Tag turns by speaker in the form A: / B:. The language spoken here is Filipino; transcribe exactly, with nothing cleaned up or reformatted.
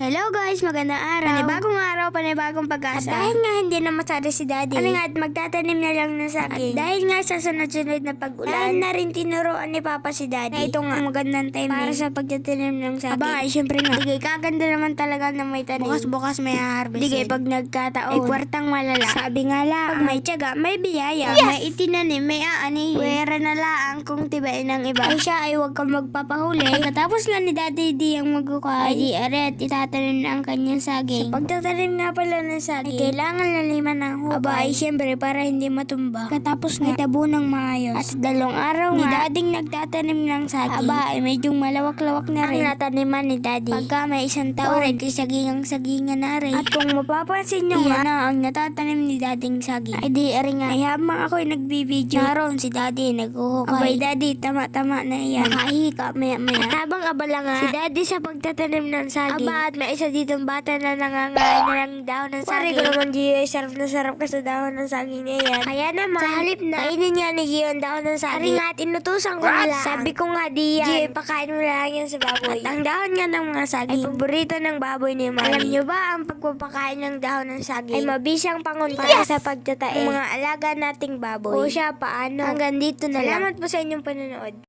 A: Hello guys, magandang araw. Panibagong araw, panibagong pag-asa. At dahil nga hindi na masyado si Daddy, kami nga at magtatanim na lang ng saging. At dahil nga sa sunod-sunod na pag-ulan, dahil na rin tinuruan ni Papa si Daddy na ito nga ang magandang timing para sa pagtatanim ng saging. Aba, ay syempre nga. Digay, kaganda naman talaga na may tanim. Bukas-bukas may harvest. Digay, pag nagkataon, ay kwartang malala. Sabi nga lang, pag may tiyaga, may biyaya. Yes! May itinanim, may aani. Pwera na lang kung tibain ng iba. Ay siya ay huwag kang magpapahuli. Pagkatapos nga ni Daddy di ang magukay, ay di aret, itatanim na ang kanyang saging. Sa pagtatanim nga pala ng saging, ay kailangan laliman ng hukay. Aba, ay syempre para hindi matumba. Katapos nga itabo ng maayos. At sa dalawang araw ni nga, Dading nagtatanim ng saging. Aba, ay medyo malawak-lawak na rin ang nataniman ni Daddy. Pagka may isang taon, ay sagingang-sagingan na rin. At kung mapapansin nyo nga na ang natatanim ni Dading saging, ay di ari nga, ay habang ako'y nagbibideo, naroon si Daddy naghuhukay. Abay, Daddy, tama-tama na yan. Nakahika, maya-maya. At habang abala nga, si Daddy sa pagtatanim ng saging, aba, at may isa ditong bata na nangangain na ng dahon ng saging. Pare ko naman, Gio, sarap na sarap ka sa dahon ng saging na yan. Kaya naman, sa halip na, kainin nga ni Gio ang dahon ng saging. Ari nga, tinutusan ko na lang. Sabi ko nga, di yan. Gio, pakain mo lang yan sa baboy. At ang dahon nga ng mga saging, ay paborito ng baboy ni Mami. Alam nyo ba, ang pagpapakain ng dahon ng saging, ay mabisang pangunta yes! sa pagtatae ng mga alaga nating baboy. O siya, paano? Hanggang dito na lang. Salamat po sa inyong panonood.